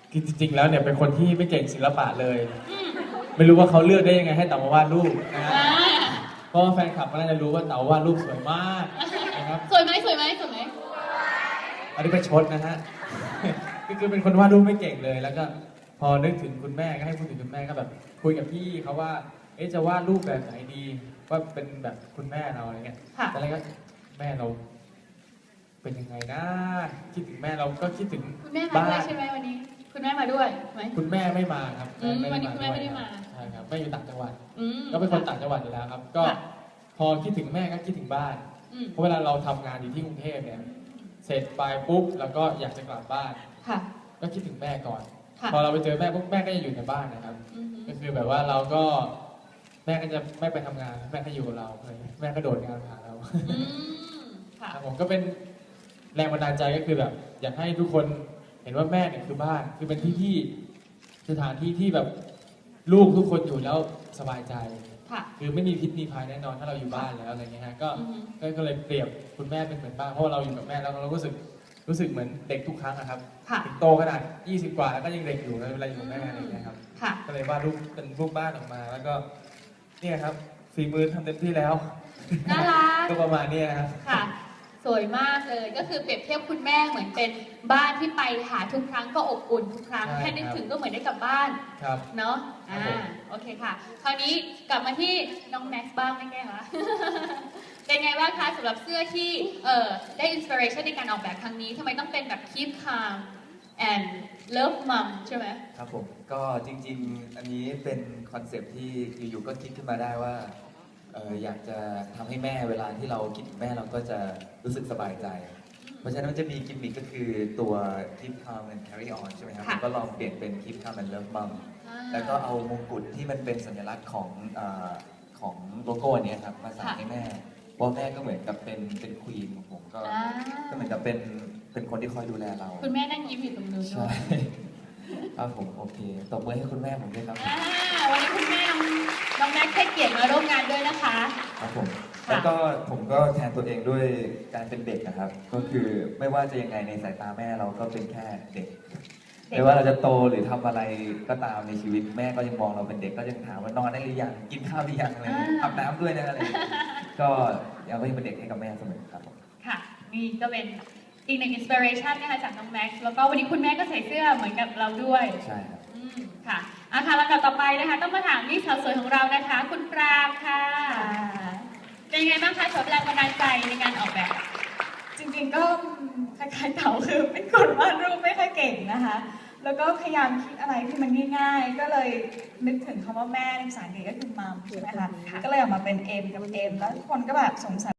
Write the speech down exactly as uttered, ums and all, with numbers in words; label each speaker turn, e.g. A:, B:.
A: คือจริงๆแล้วเนี่ยเป็นคนที่ไม่เก่งศิลปะเลย ไม่รู้ว่าเขาเลือกได้ยังไงให้เต๋ามาวาดรูปนะฮะเพราะว่าแฟนคลับก็น่าจะรู้ว่าเต๋าวาดรูปสวยมากนะครับ
B: สวยไหมสวยไหมสวยไหม
A: อันนี้เป็นชดนะฮะ ก็คือเป็นคนวาดรูปไม่เก่งเลย แล้วก็พอนึกถึงคุณแม่ก็ให้พูดถึงคุณแม่ก็แบบคุยกับพี่เขาว่า เอ๊ะจะวาดรูปแบบไหนดี ว่าเป็นแบบคุณแม่เราอะไรเงี้ยแต่แล้วก็แม่เรา เป็นยังไงนะคิดถึงแม่เราก็คิดถึง
B: คุณแม่มาด้วยใช่ไหมวันนี้ คุณแม่มาด้วยไหม
A: คุณแม่ไม่มาครับ
B: อืมวันนี้คุณแม่ไม่ได้มา
A: ใช่ครับแม่อยู่ต่างจังหวัด
B: อืม
A: ก็เป็นคนต่างจังหวัดอยู่แล้วครับ ก็
B: ค่ะ
A: พอคิดถึงแม่ก็คิดถึงบ้าน
B: อืม
A: เพราะเวลาเราทำงานอยู่ที่กรุงเทพเนี่ย เสร็จไปปุ๊บแล้วก็อยากจะกลับบ้าน
B: ค่ะ
A: ก็คิดถึงแม่ก่อน
B: ค่ะ
A: พอเราไปเจอแม่ปุ๊บแม่ก็จะอยู่ในบ้านนะครับ
B: อืม
A: ก็คือแบบว่าเราก็แม่ก็จะไม่ไปทำงานแม่ก็อยู่กับเราเลยแม่ก็โดดงานหาเรา
B: อืมค่ะ
A: ครับผมก็เป็นแรงบันดาลใจก็คือแบบ อยากให้ทุกคนเห็นว่าแม่เนี่ยคือบ้าน คือเป็นที่ที่สถานที่ที่แบบลูกทุกคนอยู่แล้วสบายใจ
B: ค่ะ
A: คือไม่มีพิษมีภัยแน่นอนถ้าเราอยู่บ้านแล้วอะไรเงี้ยฮะก็
B: อือฮึ
A: ก็ก็เลยเปรียบคุณแม่เป็นเหมือนบ้านเพราะว่าเราอยู่กับแม่แล้วเราก็รู้สึกรู้สึกเหมือนเด็กทุกครั้งนะครับ
B: ค่ะ
A: ถึงโตขนาดยี่สิบกว่าแล้วก็ยังเด็กอยู่เลยเวลาอยู่กับแม่อะไรเงี้ยครับ
B: ค่ะ
A: ก็เลยวาดรูปเป็นรูปบ้านออกมา แล้วก็เนี่ยครับฝีมือทำเต็มที่แล้ว
B: น่ารัก
A: ก็ประมาณเนี้ยนะครับ
B: ค่ะ สวยมากเลย ก็คือเปรียบเทียบคุณแม่เหมือนเป็นบ้านที่ไปหาทุกครั้งก็อบอุ่นทุกครั้ง
A: ใช่
B: แค่นึก
A: ครับ
B: ถึงก็เหมือนได้กลับบ้าน
A: ครับ
B: เนาะ
A: ครั
B: อ่า
A: บผม
B: โอเคค่ะ คราวนี้กลับมาที่น้องแม็กซ์บ้างไม่แก้คะ เป็นไงบ้างคะสำหรับเสื้อที่เอ่อได้อินสปิเรชันในการออกแบบครั้งนี้ทำไมต้องเป็นแบบ keep calm and love mom ใช่ไหม
C: ครับผมก็จริงๆ อันนี้เป็นคอนเซปต์ที่อยู่ๆก็คิดขึ้นมาได้ว่าเอออยากจะทำให้แม่เวลาที่เราคิดถึงแม่เราก็จะรู้สึกสบายใจ เพราะฉะนั้นมันจะมีกิมมิคก็คือตัว Keep Calm and Carry On ใช่ไหมครับ
B: ค่ะ
C: ก็ลองเปลี่ยนเป็น Keep Calm and Love Mom
B: อ่า
C: แล้วก็เอามงกุฎที่มันเป็นสัญลักษณ์ของเออของโลโก้อันเนี้ยครับมาใส่
B: ค่ะ
C: ให้แม่เพราะแม่ก็เหมือนกับเป็นเป็นควีนของผมก็
B: อ่า
C: ก็เหมือนกับเป็นเป็นคนที่คอยดูแลเรา
B: คุณแม่นั่งยิ้มอยู่ตรงนู้นด้
C: ใช่
B: วย
C: ครับผมโอเคตบมือให้คุณแม่ผมด้วยครับ
B: อ่าวันนี้คุณแม่น้องน้องแม็กซ์ให้เกียรติมาร่วมงานด้วยนะคะ
C: ครับผม
B: ค่ะ
C: แล้วก็ผมก็แทนตัวเองด้วยการเป็นเด็กนะครับ ก็คือไม่ว่าจะยังไงในสายตาแม่เราก็เป็นแค่เด็ก ไม่ว่าเราจะโตหรือทำอะไรก็ตามในชีวิตแม่ก็ยังมองเราเป็นเด็กก็ยังถามว่านอนได้หรือยังกินข้าวหรือยังอะไรอย่างเงี้ยอาบน้ำด้วยนะอะไรอย่างเงี้ยก็ยังก็ยังเป็นเด็กให้กับแม่เสมอครับผม
B: ค่ะ นี่ก็เป็นอีกหนึ่งอินสปิเรชันนะคะจากน้องแม็กซ์แล้วก็วันนี้คุณแม่ก็ใส่เสื้อเหมือนกับเราด้วย
C: ใช่ครับ
B: อืมค่ะอาค่ะลำดับต่อไปนะคะ ต้องมาถามนี่สาวสวยของเรานะคะ คุณปรางค่ะเป็นยังไงบ้างคะสำหรับแรงบันดาลใจในการออกแบบ
D: จริงๆก็คล้ายๆเต๋าคือเป็นคนวาดรูปไม่ค่อยเก่งนะคะ แล้วก็พยายามคิดอะไรที่มันง่ายๆ ก็เลยนึกถึงคำว่าแม่ในภาษาอังกฤษก็คือมัมใช่ไหมคะ ก็เลยออกมาเป็น M กับ M แล้วทุกคนก็แบบสงสัย